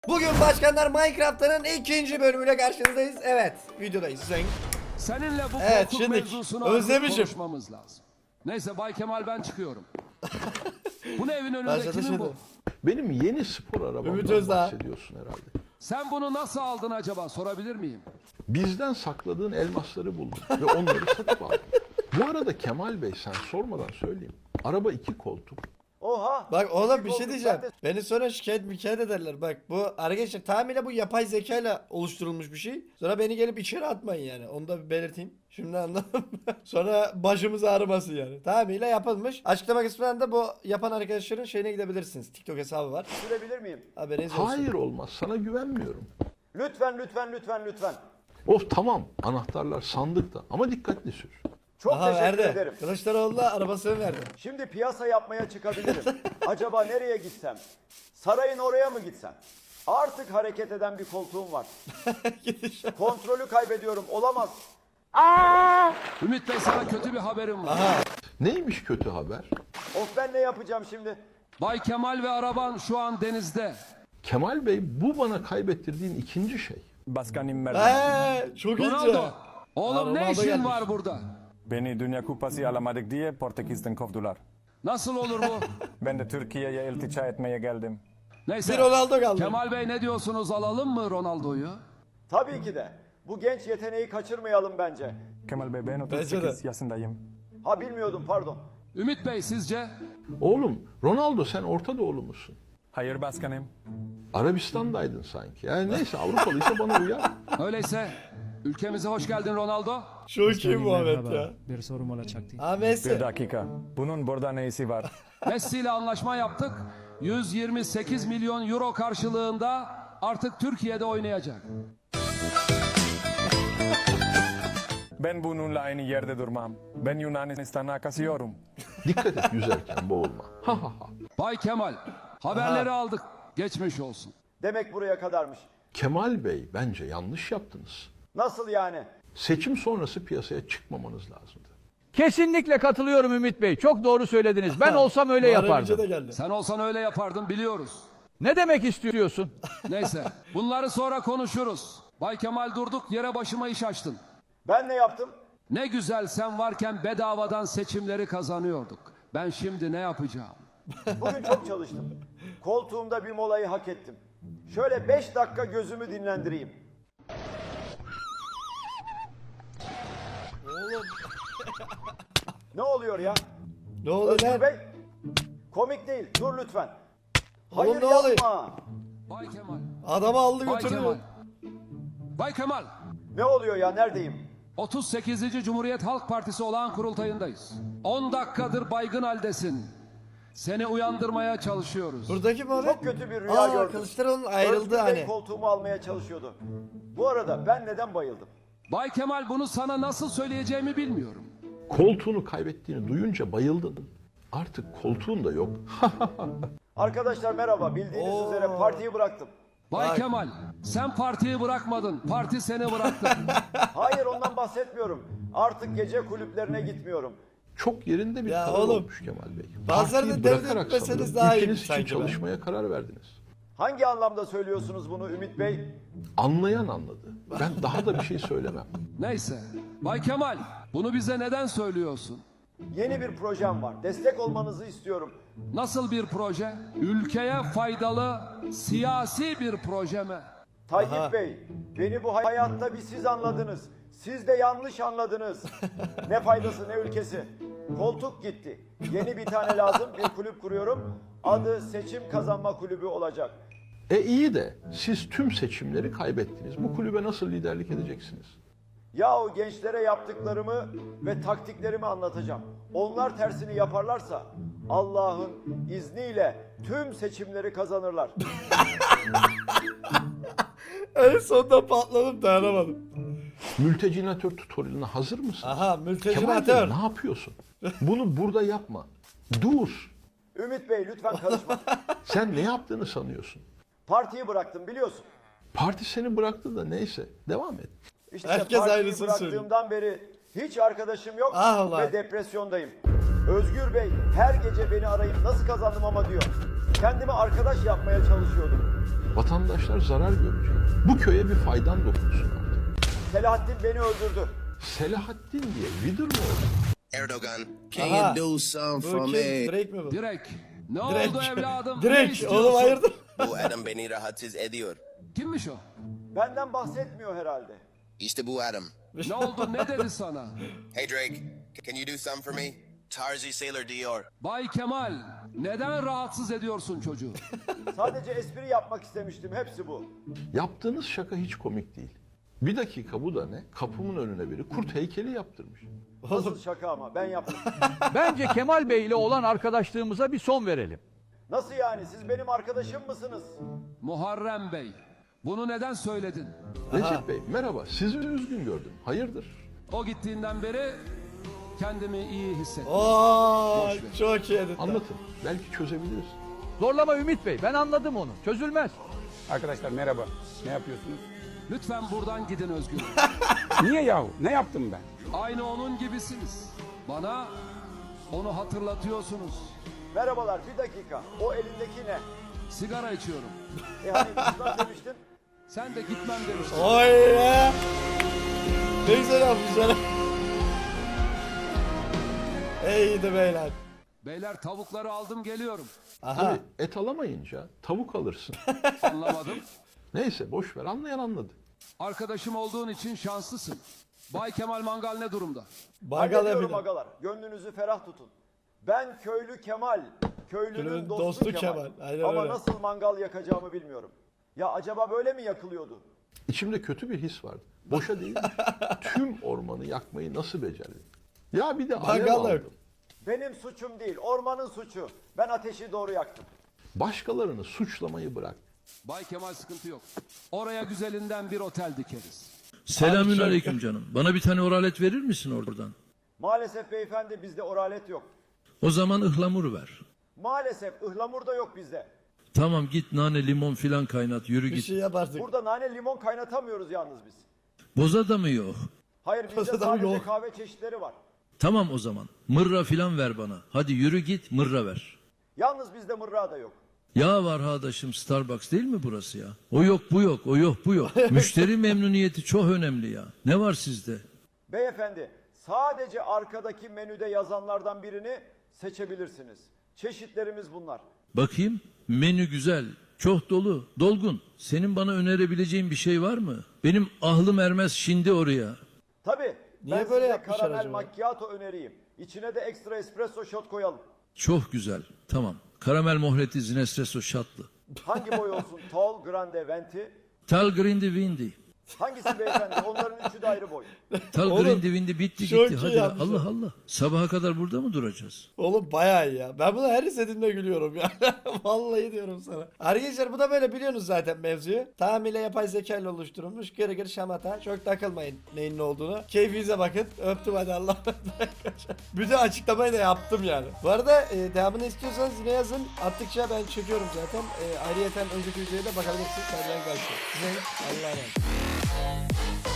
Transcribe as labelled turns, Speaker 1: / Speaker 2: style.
Speaker 1: Bugün Başkanlar Minecraft'ın ikinci bölümüyle karşınızdayız. Evet, videodayız.
Speaker 2: Seninle bu
Speaker 1: Evet,
Speaker 2: koltuk
Speaker 1: şimdi
Speaker 2: mevzusunu artık
Speaker 1: özlemişim.
Speaker 2: konuşmamız lazım. Neyse Bay Kemal, ben çıkıyorum. Bu ne, evin önünde
Speaker 1: Başladı
Speaker 2: kimin
Speaker 1: şimdi.
Speaker 2: bu?
Speaker 3: Benim yeni spor
Speaker 1: Ümit
Speaker 3: arabamdan
Speaker 1: Özdağ.
Speaker 3: bahsediyorsun herhalde.
Speaker 2: Sen bunu nasıl aldın acaba, sorabilir miyim?
Speaker 3: Bizden sakladığın elmasları buldum ve onları satıp aldım. Bu arada Kemal Bey, sen sormadan söyleyeyim. Araba 2 koltuk.
Speaker 4: Oha.
Speaker 1: Bak oğlum bir
Speaker 4: Oldu,
Speaker 1: şey
Speaker 4: ben
Speaker 1: diyeceğim.
Speaker 4: de-
Speaker 1: Beni sonra şikayet ederler. Bak bu arkadaşlar tamamıyla bu yapay zekayla oluşturulmuş bir şey. Sonra beni gelip içeri atmayın yani. Onu da bir belirteyim. Şimdi anladım. Sonra başımız ağrımasın yani. Tamamıyla yapılmış. Açıklama kısmından da bu yapan arkadaşların şeyine gidebilirsiniz. TikTok hesabı var.
Speaker 4: Sürebilir miyim?
Speaker 1: Haberiniz olsun.
Speaker 3: Hayır, olmaz. Sana güvenmiyorum.
Speaker 4: Lütfen lütfen lütfen lütfen.
Speaker 3: Of tamam, anahtarlar sandıkta ama dikkatli sür.
Speaker 4: Çok
Speaker 1: Aha
Speaker 4: teşekkür
Speaker 1: verdi.
Speaker 4: ederim.
Speaker 1: Kılıçdaroğlu'na arabasını verdi.
Speaker 4: Şimdi piyasa yapmaya çıkabilirim. Acaba nereye gitsem? Sarayın oraya mı gitsem? Artık hareket eden bir koltuğum var.
Speaker 1: Gidiş.
Speaker 4: Kontrolü kaybediyorum. Olamaz.
Speaker 2: Ümit Bey, sana kötü bir haberim var.
Speaker 3: Neymiş kötü haber?
Speaker 4: Of, ben ne yapacağım şimdi?
Speaker 2: Bay Kemal ve araban şu an denizde.
Speaker 3: Kemal Bey, bu bana kaybettirdiğin ikinci şey.
Speaker 5: Başkanım merhaba.
Speaker 1: Çok iyi.
Speaker 2: Ronaldo, oğlum
Speaker 1: Ha,
Speaker 2: ne
Speaker 1: Ronaldo
Speaker 2: işin
Speaker 1: gelmiş.
Speaker 2: var burada?
Speaker 5: Beni Dünya Kupası alamadık diye Portekiz'den kovdular.
Speaker 2: Nasıl olur bu?
Speaker 5: Ben de Türkiye'ye iltica etmeye geldim.
Speaker 2: Neyse.
Speaker 1: Bir Ronaldo kaldı.
Speaker 2: Kemal Bey, ne diyorsunuz, alalım mı Ronaldo'yu?
Speaker 4: Tabii ki de. Bu genç yeteneği kaçırmayalım bence.
Speaker 5: Kemal Bey, ben
Speaker 1: Bence
Speaker 5: 38
Speaker 1: de.
Speaker 5: yaşındayım.
Speaker 4: Ha, bilmiyordum, pardon.
Speaker 2: Ümit Bey, sizce?
Speaker 3: Oğlum, Ronaldo, sen Orta Doğulu musun?
Speaker 5: Hayır başkanım.
Speaker 3: Arabistan'daydın sanki. Yani neyse, Avrupalıysa bana uyar.
Speaker 2: Öyleyse ülkemize hoş geldin Ronaldo.
Speaker 1: Çok iyi Muhammed
Speaker 6: Merhaba,
Speaker 1: ya.
Speaker 6: bir sorum olacaktı.
Speaker 1: Ha Messi.
Speaker 5: Bir dakika. Bunun burada ne işi var?
Speaker 2: Messi ile anlaşma yaptık. 128 milyon euro karşılığında artık Türkiye'de oynayacak.
Speaker 5: Ben bununla aynı yerde durmam. Ben Yunanistan'a kaçıyorum.
Speaker 3: Dikkat et, yüzerken boğulma. Ha ha ha.
Speaker 2: Bay Kemal, haberleri aldık. Geçmiş olsun.
Speaker 4: Demek buraya kadarmış.
Speaker 3: Kemal Bey, bence yanlış yaptınız.
Speaker 4: Nasıl yani?
Speaker 3: Seçim sonrası piyasaya çıkmamanız lazımdı.
Speaker 7: Kesinlikle katılıyorum Ümit Bey. Çok doğru söylediniz. Ben olsam öyle
Speaker 1: Muharrem İnce de
Speaker 7: yapardım.
Speaker 1: geldi.
Speaker 2: Sen olsan öyle yapardın, biliyoruz.
Speaker 7: Ne demek istiyorsun?
Speaker 2: Neyse, bunları sonra konuşuruz. Bay Kemal, durduk yere başıma iş açtın.
Speaker 4: Ben ne yaptım?
Speaker 2: Ne güzel sen varken bedavadan seçimleri kazanıyorduk. Ben şimdi ne yapacağım?
Speaker 4: Bugün çok çalıştım. Koltuğumda bir molayı hak ettim. Şöyle 5 dakika gözümü dinlendireyim. Ne oluyor ya?
Speaker 1: Ne oldu
Speaker 4: Özgür
Speaker 1: lan?
Speaker 4: Bey? Komik değil. Dur lütfen.
Speaker 1: Oğlum
Speaker 4: Hayır
Speaker 1: ne oluyor?
Speaker 4: yapma.
Speaker 2: Bay Kemal,
Speaker 1: Adamı aldı
Speaker 2: Bay
Speaker 1: götürdü.
Speaker 2: Kemal. Bay Kemal,
Speaker 4: Ne oluyor ya? Neredeyim?
Speaker 2: 38. Cumhuriyet Halk Partisi olağan kurultayındayız. 10 dakikadır baygın haldesin. Seni uyandırmaya çalışıyoruz.
Speaker 1: Buradaki Muhammed.
Speaker 4: Çok kötü bir rüya gördüm.
Speaker 1: Kılıçdaroğlu'nun ayrıldı
Speaker 4: Özgür Bey
Speaker 1: hani.
Speaker 4: koltuğumu almaya çalışıyordu. Bu arada ben neden bayıldım?
Speaker 2: Bay Kemal, bunu sana nasıl söyleyeceğimi bilmiyorum.
Speaker 3: Koltuğunu kaybettiğini duyunca bayıldın. Artık koltuğun da yok.
Speaker 4: Arkadaşlar merhaba. Bildiğiniz üzere partiyi bıraktım.
Speaker 2: Bay
Speaker 1: Bak.
Speaker 2: Kemal, sen partiyi bırakmadın. Parti seni bıraktı.
Speaker 4: Hayır, ondan bahsetmiyorum. Artık gece kulüplerine gitmiyorum.
Speaker 3: Çok yerinde bir
Speaker 1: Ya
Speaker 3: karar
Speaker 1: oğlum,
Speaker 3: olmuş Kemal Bey.
Speaker 1: bazıları da
Speaker 3: Partiyi
Speaker 1: devlet
Speaker 3: bırakarak
Speaker 1: etmeseniz
Speaker 3: sanırım
Speaker 1: daha iyi
Speaker 3: ülkeniz için
Speaker 1: sanki be.
Speaker 3: çalışmaya karar verdiniz.
Speaker 4: Hangi anlamda söylüyorsunuz bunu Ümit Bey?
Speaker 3: Anlayan anladı. Ben daha da bir şey söylemem.
Speaker 2: Neyse. Bay Kemal, bunu bize neden söylüyorsun?
Speaker 4: Yeni bir projem var. Destek olmanızı istiyorum.
Speaker 2: Nasıl bir proje? Ülkeye faydalı, siyasi bir proje mi?
Speaker 4: Tayyip Bey, beni bu hayatta bir siz anladınız. Siz de yanlış anladınız. Ne faydası ne ülkesi. Koltuk gitti. Yeni bir tane lazım. Bir kulüp kuruyorum. Adı Seçim Kazanma Kulübü olacak.
Speaker 3: İyi de siz tüm seçimleri kaybettiniz. Bu kulübe nasıl liderlik edeceksiniz?
Speaker 4: Yahu gençlere yaptıklarımı ve taktiklerimi anlatacağım. Onlar tersini yaparlarsa Allah'ın izniyle tüm seçimleri kazanırlar.
Speaker 1: En sonunda patladım, dayanamadım.
Speaker 3: Mültecinator tutorialına hazır mısın?
Speaker 1: Aha
Speaker 3: Kemal Bey,
Speaker 1: mültecimatör.
Speaker 3: ne yapıyorsun? Bunu burada yapma. Dur.
Speaker 4: Ümit Bey lütfen karışma.
Speaker 3: Sen ne yaptığını sanıyorsun?
Speaker 4: Partiyi bıraktım biliyorsun.
Speaker 3: Parti seni bıraktı da neyse. Devam et.
Speaker 4: İşte
Speaker 1: Herkes
Speaker 4: partiyi
Speaker 1: aynısını
Speaker 4: bıraktığımdan beri hiç arkadaşım yok
Speaker 1: Ah Allah.
Speaker 4: ve depresyondayım. Özgür Bey her gece beni arayıp nasıl kazandım ama diyor. Kendime arkadaş yapmaya çalışıyordum.
Speaker 3: Vatandaşlar zarar görecek. Bu köye bir faydan dokunsun artık.
Speaker 4: Selahattin beni öldürdü.
Speaker 3: Selahattin diye vidir mi oldu?
Speaker 6: Erdogan, can
Speaker 1: Aha.
Speaker 6: you do some
Speaker 1: Bu
Speaker 6: for
Speaker 1: kim?
Speaker 6: me?
Speaker 1: Drake mi bu?
Speaker 2: Direkt. Ne
Speaker 1: Direkt.
Speaker 2: oldu evladım? Ne
Speaker 1: Direkt.
Speaker 2: istiyorsun?
Speaker 1: Oğlum hayırdır?
Speaker 6: Bu adam beni rahatsız ediyor.
Speaker 2: Kimmiş o?
Speaker 4: Benden bahsetmiyor herhalde.
Speaker 6: İşte bu adam.
Speaker 2: Ne oldu? Ne dedi sana?
Speaker 6: Hey Drake, can you do some for me? Tarzi Sailor diyor.
Speaker 2: Bay Kemal, neden rahatsız ediyorsun çocuğu?
Speaker 4: Sadece espri yapmak istemiştim. Hepsi bu.
Speaker 3: Yaptığınız şaka hiç komik değil. Bir dakika bu da ne? Kapımın önüne biri kurt heykeli yaptırmış.
Speaker 4: Nasıl şaka ama ben yaptım.
Speaker 7: Bence Kemal Bey ile olan arkadaşlığımıza bir son verelim.
Speaker 4: Nasıl yani? Siz benim arkadaşım mısınız?
Speaker 2: Muharrem Bey, bunu neden söyledin?
Speaker 3: Recep Bey merhaba, sizi üzgün gördüm. Hayırdır?
Speaker 2: O gittiğinden beri kendimi iyi hissettim.
Speaker 1: Oo,
Speaker 2: Boş ver.
Speaker 3: şey
Speaker 1: çok iyi edit.
Speaker 3: Anlatın, belki çözebiliriz.
Speaker 7: Zorlama Ümit Bey, ben anladım onu. Çözülmez.
Speaker 8: Arkadaşlar merhaba. Ne yapıyorsunuz?
Speaker 2: Lütfen buradan gidin Özgür.
Speaker 8: Niye yahu? Ne yaptım ben?
Speaker 2: Aynı onun gibisiniz. Bana onu hatırlatıyorsunuz.
Speaker 4: Merhabalar, bir dakika. O elindeki ne?
Speaker 2: Sigara içiyorum.
Speaker 4: Hani İslam demiştin?
Speaker 2: Sen de gitmem demiştin.
Speaker 1: Oy ya. Ne güzel yapmışlar. İyiydi beyler.
Speaker 2: Beyler tavukları aldım geliyorum.
Speaker 1: Aha.
Speaker 3: Tabii et alamayınca tavuk alırsın.
Speaker 2: Anlamadım.
Speaker 3: Neyse boş ver, anlayan anladı.
Speaker 2: Arkadaşım olduğun için şanslısın. Bay Kemal Mangal ne durumda?
Speaker 1: Bagal
Speaker 4: Hallediyorum
Speaker 1: yapıyor.
Speaker 4: agalar. Gönlünüzü ferah tutun. Ben köylü Kemal. Köylünün
Speaker 1: Köylünün
Speaker 4: dostu,
Speaker 1: dostu
Speaker 4: Kemal.
Speaker 1: Kemal. Aynen
Speaker 4: Ama
Speaker 1: öyle.
Speaker 4: nasıl mangal yakacağımı bilmiyorum. Ya acaba böyle mi yakılıyordu?
Speaker 3: İçimde kötü bir his vardı. Boşa değil. Tüm ormanı yakmayı nasıl becerdim? Ya bir de alev
Speaker 1: Bagal yok.
Speaker 3: aldım.
Speaker 4: Benim suçum değil, ormanın suçu. Ben ateşi doğru yaktım.
Speaker 3: Başkalarını suçlamayı bırak.
Speaker 2: Bay Kemal sıkıntı yok. Oraya güzelinden bir otel dikeriz.
Speaker 9: Selamünaleyküm canım. Bana bir tane oralet verir misin oradan?
Speaker 4: Maalesef beyefendi bizde oralet yok.
Speaker 9: O zaman ıhlamur ver.
Speaker 4: Maalesef ıhlamur da yok bizde.
Speaker 9: Tamam git nane limon filan kaynat yürü
Speaker 1: Bir
Speaker 9: git.
Speaker 1: şey yap artık.
Speaker 4: Burada nane limon kaynatamıyoruz yalnız biz.
Speaker 9: Boza da mı yok?
Speaker 4: Hayır bizde
Speaker 1: Kasada
Speaker 4: sadece
Speaker 1: yok.
Speaker 4: kahve çeşitleri var.
Speaker 9: Tamam o zaman. Mırra filan ver bana. Hadi yürü git mırra ver.
Speaker 4: Yalnız bizde mırra da yok.
Speaker 9: Ya var arkadaşım Starbucks değil mi burası ya? O yok bu yok o yok bu yok. Müşteri memnuniyeti çok önemli ya. Ne var sizde?
Speaker 4: Beyefendi sadece arkadaki menüde yazanlardan birini seçebilirsiniz. Çeşitlerimiz bunlar.
Speaker 9: Bakayım menü güzel. Çok dolu, dolgun. Senin bana önerebileceğin bir şey var mı? Benim ahlım ermez şimdi oraya.
Speaker 4: Tabii
Speaker 1: Niye
Speaker 4: ben
Speaker 1: böyle
Speaker 4: size
Speaker 1: yapmışlar
Speaker 4: karamel
Speaker 1: acaba?
Speaker 4: macchiato önereyim. İçine de ekstra espresso shot koyalım.
Speaker 9: Çok güzel. Tamam. Karamel mohleti zinespresso şatlı.
Speaker 4: Hangi boy olsun? Tall, grande, venti.
Speaker 9: Tal grindi windy.
Speaker 4: Hangisi beyefendi? Onların üçü de ayrı boy.
Speaker 9: Tal
Speaker 1: Oğlum,
Speaker 9: grindi windy bitti
Speaker 1: çok
Speaker 9: gitti.
Speaker 1: iyi
Speaker 9: Hadi ya.
Speaker 1: yapmışlar.
Speaker 9: Allah Allah. Sabaha kadar burada mı duracağız?
Speaker 1: Oğlum bayağı iyi ya. Ben bunu her izlediğimde gülüyorum ya. Vallahi diyorum sana. Arkadaşlar bu da böyle biliyorsunuz zaten mevzuyu. Tamamıyla yapay zeka ile oluşturulmuş. Gırı gırı şamata. Çok takılmayın neyin ne olduğunu. Keyfinize bakın. Öptüm hadi Allah'a emanet. Bütün açıklamayı da yaptım yani. Bu arada devamını istiyorsanız yine yazın. Attıkça ben çekiyorum zaten. Ayrıyeten önceki videoya da bakabilirsiniz. Benden kaçtı. Size Allah'a emanet.